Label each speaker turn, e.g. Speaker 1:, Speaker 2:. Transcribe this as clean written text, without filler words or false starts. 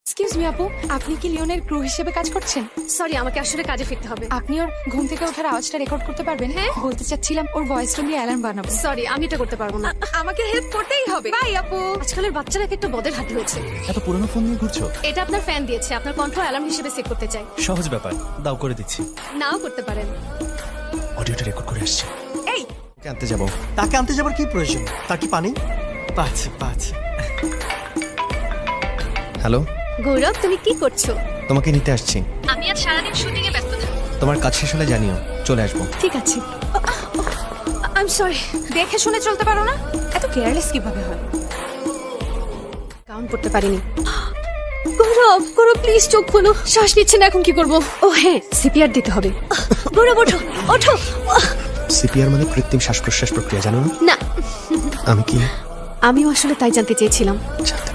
Speaker 1: Excuse me আপু, আপনি কি লিওনের ক্রু হিসেবে কাজ করছেন?
Speaker 2: সরি, আমাকে আসলে কাজে ফিরতে হবে।
Speaker 1: আপনি ওর ঘুম থেকে ওঠার আওয়াজটা রেকর্ড করতে পারবেন? হ্যাঁ, বলতে চাচ্ছিলাম ওর ভয়েসটা নিয়ে অ্যালার্ম বানাবো।
Speaker 2: সরি, আমি এটা করতে পারবো না।
Speaker 1: আমাকে হেল্প করতেই হবে। বাই আপু।
Speaker 2: আজকালের বাচ্চারা একটা বদের হাতে হয়েছে।
Speaker 3: এত পুরনো ফোন নিয়ে ঘুরছো?
Speaker 2: এটা আপনার ফ্যান দিয়েছে, আপনার কণ্ঠ অ্যালার্ম হিসেবে সেট করতে চাই।
Speaker 3: সহজ ব্যাপার, দাও করে দিচ্ছি।
Speaker 2: নাও করতে পারেন।
Speaker 3: অডিওটা রেকর্ড করে আসছি।
Speaker 1: এই
Speaker 3: ওকে আনতে যাবো।
Speaker 4: তাকে আনতে যাবার কি প্রয়োজন? তার কি পানি? পাচ্ছে।
Speaker 3: হ্যালো,
Speaker 2: গৌরব, তুমি কি করছো?
Speaker 3: তোমাকে নিতে আসছি।
Speaker 2: আমি আজ সারাদিন শুটিং এ ব্যস্ত থাকবো।
Speaker 3: তোমার কাজ শেষ হলে জানিও, চলে আসবো।
Speaker 2: ঠিক আছে। I am sorry.
Speaker 1: দেখে শুনে চলতে পারো না? এত কেয়ারলেস কিভাবে হয়?
Speaker 2: কাউন্ট করতে পারিনি। গৌরব, গৌরব প্লিজ চোখ খোলো। শ্বাস নিচ্ছে না, এখন কি করব? ও হ্যাঁ, সিপিআর দিতে হবে। গৌরব ওঠো, ওঠো।
Speaker 3: সিপিআর মানে কৃত্রিম শ্বাস প্রশ্বাস প্রক্রিয়া, জানো না?
Speaker 2: না,
Speaker 3: আমি কি
Speaker 2: আমিও আসলে তাই জানতে চেয়েছিলাম।
Speaker 3: জানতে